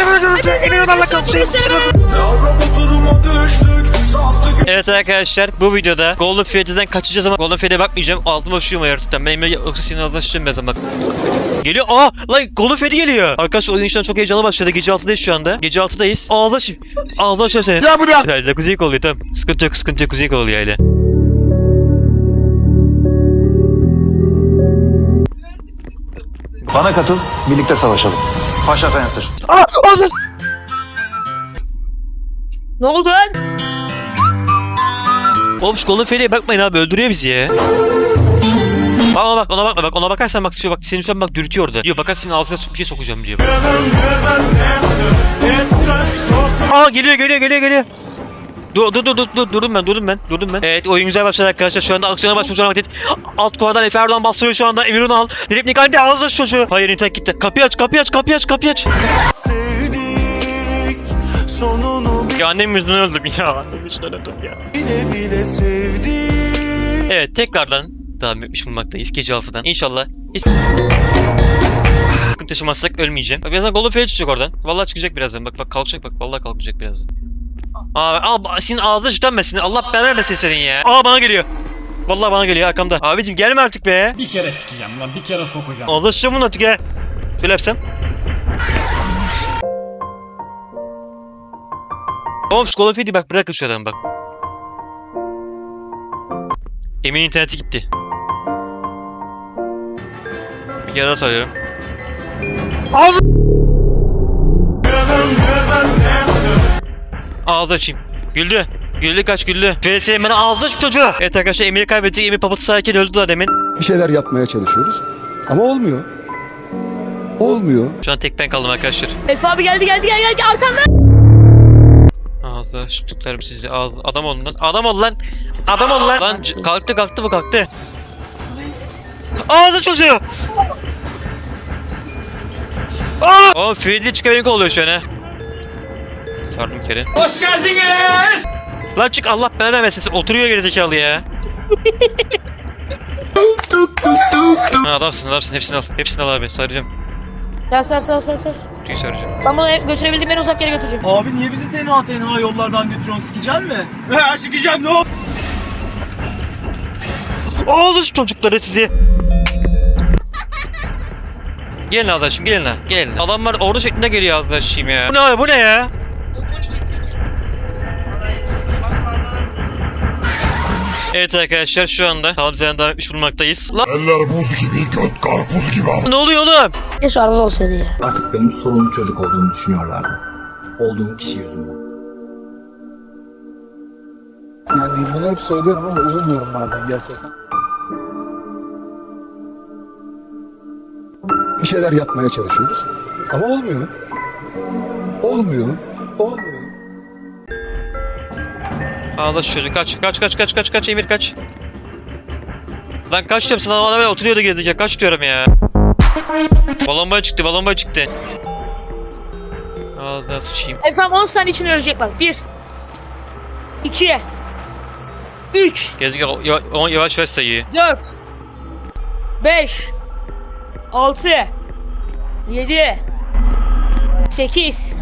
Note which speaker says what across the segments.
Speaker 1: Evet arkadaşlar, bu videoda Golden Freddy'den kaçacağız ama Golden Freddy'ye bakmayacağım. Altıma üşüyorum ayartıktan. Ben Emre yoksa senin ağzına sıçrayım birazdan bak. Geliyor. Aa lan Golden Freddy geliyor. Arkadaşlar oyun işten çok heyecanlı başladı. Gece 6'dayız şu anda. Gece 6'dayız. Ağzına açıyorum seni. Ya buraya. Hayır kuzey oluyor tamam. Sıkıntı yok kuzey oluyor öyle.
Speaker 2: Bana katıl, birlikte savaşalım. Paşa Fencer.
Speaker 3: Ne oldu lan?
Speaker 1: Oğlum şu Golden Freddy'ye bakmayın abi, öldürüyor bizi ya. Bak ona bakma bak, ona bakarsan bak bak seni şu an bak dürtüyor orada. Diyor bakarsın senin ağzına bir şey sokacağım diyor. Aa geliyor. Durdum ben. Evet oyun güzel başladı arkadaşlar. Şu anda aksiyona başlamış olan vakit. Alt kuardan Efe Erdoğan bastırıyor şu anda. Emirhan al. Direkt Nikan'da ağzına şu çocuğu. Hayır internet gitti. Kapıyı aç.
Speaker 4: Sevdik sonunu
Speaker 1: Ya annem yüzünden öldüm ya. Annem yüzünden öldüm ya.
Speaker 4: bile sevdik.
Speaker 1: Evet tekrardan devam etmiş bulunmaktayız gece 6'dan. İnşallah hiç sıkıntı yaşamazsak ölmeyeceğim. Bak birazdan Golden Freddy çıkacak oradan. Vallahi çıkacak birazdan. Bak kalkacak bak. Vallahi kalkacak birazdan. Al senin ağzına şütlenmesin. Allah belanı vermesin senin ya. Aa bana geliyor. Vallahi bana geliyor arkamda. Abicim gelme artık be.
Speaker 5: Bir kere sikeceğim lan, bir kere sokacağım.
Speaker 1: Anlaşacağım bunu artık ya. Şöyle yapsam. Oğlum şu Golden Freddy bak, bırakın şu adamı bak. Emin interneti gitti. Bir kere daha söylüyorum. Ağzı açayım. Güldü kaç. FSM bana ağzı aç çocuğu. Evet arkadaşlar Emir'i kaybettik. Emir papatı sayarken öldü daha demin.
Speaker 6: Bir şeyler yapmaya çalışıyoruz ama olmuyor.
Speaker 1: Şu an tek ben kaldım arkadaşlar.
Speaker 3: Efe abi geldi arkanda.
Speaker 1: Ağzı açtıklarım sizi. Adam olun lan. Adam ol lan. Lan kalktı bu. Ağzı çocuğu. Oğlum Freddy çıkamayık oluyor şu an ha. Sardım bir kere.
Speaker 5: Hoş geldiniz.
Speaker 1: Lan çık Allah belanı vermesin. Oturuyor gerizekalı ya. Adamsın. Hepsini al abi. Saracağım.
Speaker 3: Ya sar.
Speaker 1: Kutuyu saracağım.
Speaker 3: Ben bunu götürebildiğim en uzak yere götüreceğim.
Speaker 5: Abi niye bizi tenha yollardan götürüyorsun, sikeceksin mi? He sikeceğim, ne oldu?
Speaker 1: Ağzı şu çocukları sizi. Gelin arkadaşım gelin. Adamlar ordu şeklinde geliyor arkadaşım ya. Bu ne ya? Evet arkadaşlar şu anda Talabza'dan devam etmiş bulunmaktayız.
Speaker 4: Eller buz gibi, göt karpuz gibi.
Speaker 1: Ne oluyor oğlum?
Speaker 3: Keşke arada olsaydı ya.
Speaker 7: Artık benim sorunlu çocuk olduğumu düşünüyorlardı. Olduğum kişi yüzünden.
Speaker 6: Yani bunu hep söylüyorum ama uyumuyorum bazen gerçekten. Bir şeyler yapmaya çalışıyoruz ama olmuyor.
Speaker 1: Ağla şu çocuk kaç Emir kaç. Lan kaç diyorum sana, bana böyle oturuyordu gerizekalı, kaç diyorum ya. Balon boy çıktı. Ağzına sıçayım.
Speaker 3: Efendim 10 saniye içinde ölecek bak. 1 2 3
Speaker 1: Gerizekalı yavaş sayıyı.
Speaker 3: 4 5 6 7 8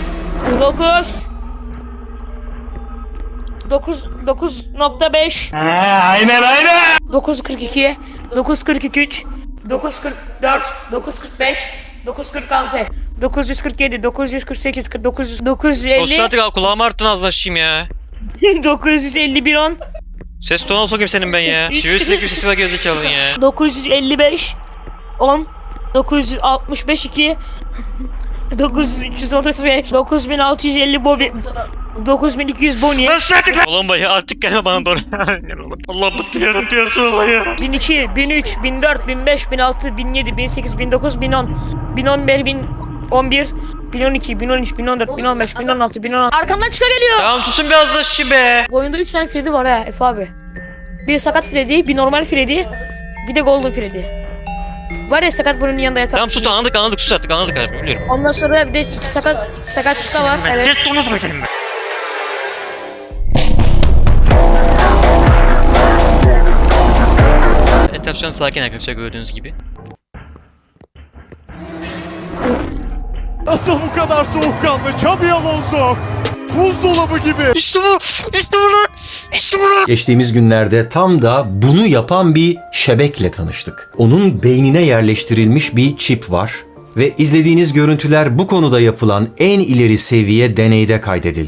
Speaker 3: 9.5
Speaker 5: Aynen.
Speaker 3: 9.42 9.43 9.44 9.45 9.46 947 948 49 950
Speaker 1: Olsun artık al, kulağımı arttın ağzına sıçayım ya.
Speaker 3: 951 10
Speaker 1: Ses tonu sokayım senin ben ya. Şivesizdeki bir sesi var gerizekalın ya.
Speaker 3: 955 10 965 2 9335 9650 Bobby 9200 Bonnie
Speaker 1: Balon boyu artık gelme bana doğru. Allah bıktırıyorum diyorsun olayı.
Speaker 3: 1002 1003 1004 1005 1006 1007 1008 1009 1010 1011 1011 1012 1013 1014 1015 1016 1016 Arkamdan çıka geliyor.
Speaker 1: Tamam susun biraz da şişi be.
Speaker 3: Bu oyunda 3 tane Freddy var ha Efe abi. Bir sakat Freddy, bir normal Freddy, bir de Golden Freddy. Var ya sakat bunun yanında yatar.
Speaker 1: Tamam sus anladık sus artık anladık abi biliyorum.
Speaker 3: Ondan sonra bir de iki sakat çıka var. Evet.
Speaker 1: Ses tonu sokayım senin be. Etraf şu an sakin arkadaşlar gördüğünüz gibi.
Speaker 8: Nasıl bu kadar soğukkanlı Xabi Alonso? Buzdolabı gibi.
Speaker 1: İşte bu! İşte bunu! İşte bunu!
Speaker 9: Geçtiğimiz günlerde tam da bunu yapan bir şebekle tanıştık. Onun beynine yerleştirilmiş bir çip var ve izlediğiniz görüntüler bu konuda yapılan en ileri seviye deneyde kaydedildi.